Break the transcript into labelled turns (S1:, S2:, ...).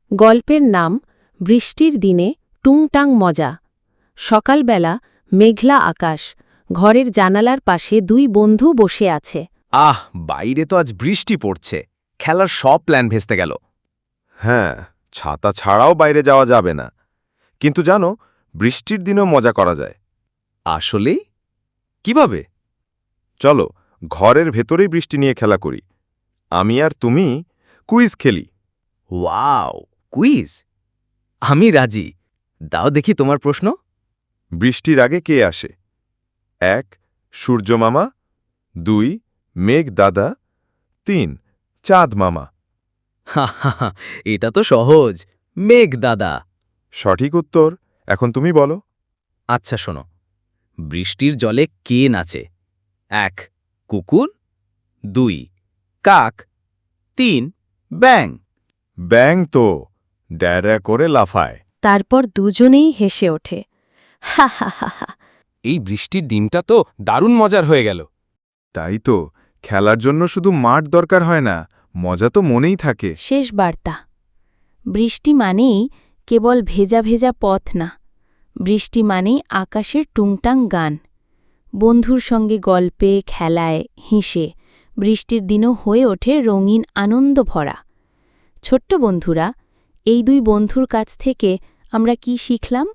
S1: গল্পের নাম বৃষ্টির দিনে টুংটাং মজা। সকালবেলা মেঘলা আকাশ, ঘরের জানালার পাশে দুই বন্ধু বসে আছে।
S2: আহ, বাইরে তো আজ বৃষ্টি পড়ছে, খেলার সব প্ল্যান ভেস্তে গেল।
S3: হ্যাঁ, ছাতা ছাড়াও বাইরে যাওয়া যাবে না। কিন্তু জানো, বৃষ্টির দিনেও মজা করা যায়।
S2: আসলেই? কিভাবে?
S3: চলো, ঘরের ভেতরেই বৃষ্টি নিয়ে খেলা করি। আমি আর তুমি কুইজ খেলি।
S2: Wow, quiz! আমি রাজি। দাও দেখি তোমার প্রশ্ন।
S3: বৃষ্টির আগে কে আসে? 1 সূর্য মামা, 2 মেঘ দাদা, 3 চাঁদ মামা।
S2: হা, এটা তো সহজ, মেঘ দাদা।
S3: সঠিক উত্তর। এখন তুমি বলো।
S2: আচ্ছা শোনো, বৃষ্টির জলে কে নাচে? 1 কুকুর, 2 কাক, 3 ব্যাঙ।
S3: ব্যাং তো ড্যারা করে লাফায়।
S1: তারপর দুজনেই হেসে ওঠে। হা হা হা হা।
S2: এই বৃষ্টির দিনটা তো দারুণ মজার হয়ে গেল।
S3: তাই তো, খেলার জন্য শুধু মাঠ দরকার হয় না, মজা তো মনেই থাকে।
S1: শেষ বার্তা। বৃষ্টি মানেই কেবল ভেজা ভেজা পথ না, বৃষ্টি মানেই আকাশের টুংটাং গান। বন্ধুর সঙ্গে গল্পে, খেলায়, হেসে বৃষ্টির দিনও হয়ে ওঠে রঙিন আনন্দ ভরা। ছোট্ট বন্ধুরা, এই দুই বন্ধুর কাছ থেকে আমরা কি শিখলাম?